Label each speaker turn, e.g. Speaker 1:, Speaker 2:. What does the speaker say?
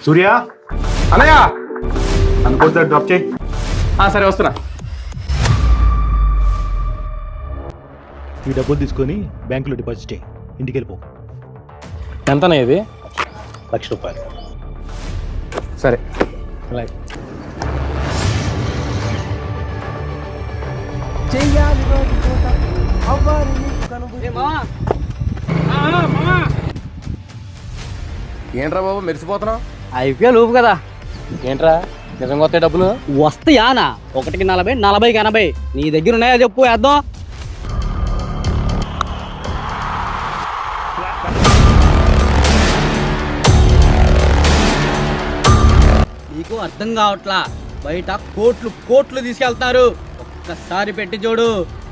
Speaker 1: సూర్య
Speaker 2: అన్నయ్య
Speaker 1: అనుకుంటా డ్రాప్ చేయి.
Speaker 2: సరే వస్తున్నా.
Speaker 1: ఈ డబ్బులు తీసుకొని బ్యాంకులో డిపాజిట్ చేయి. ఇంటికి వెళ్ళిపో.
Speaker 2: ఎంతనా ఇది?
Speaker 1: ₹1,00,000.
Speaker 2: సరే అలాగే. ఏంట్రా బాబు మెరిసిపోతున్నావు?
Speaker 3: ఐపీఎల్ ఊపు కదా.
Speaker 2: ఏంట్రా నిజంగా వస్తాయి డబ్బులు?
Speaker 3: వస్తాయానా? 1కి 40, 40కి 80. నీ దగ్గర ఉన్నాయా చెప్పు, వేద్దాం. నీకు అర్థం కావట్లా, బయట కోట్లు కోట్లు తీసుకెళ్తారు. ఒక్కసారి పెట్టి చూడు.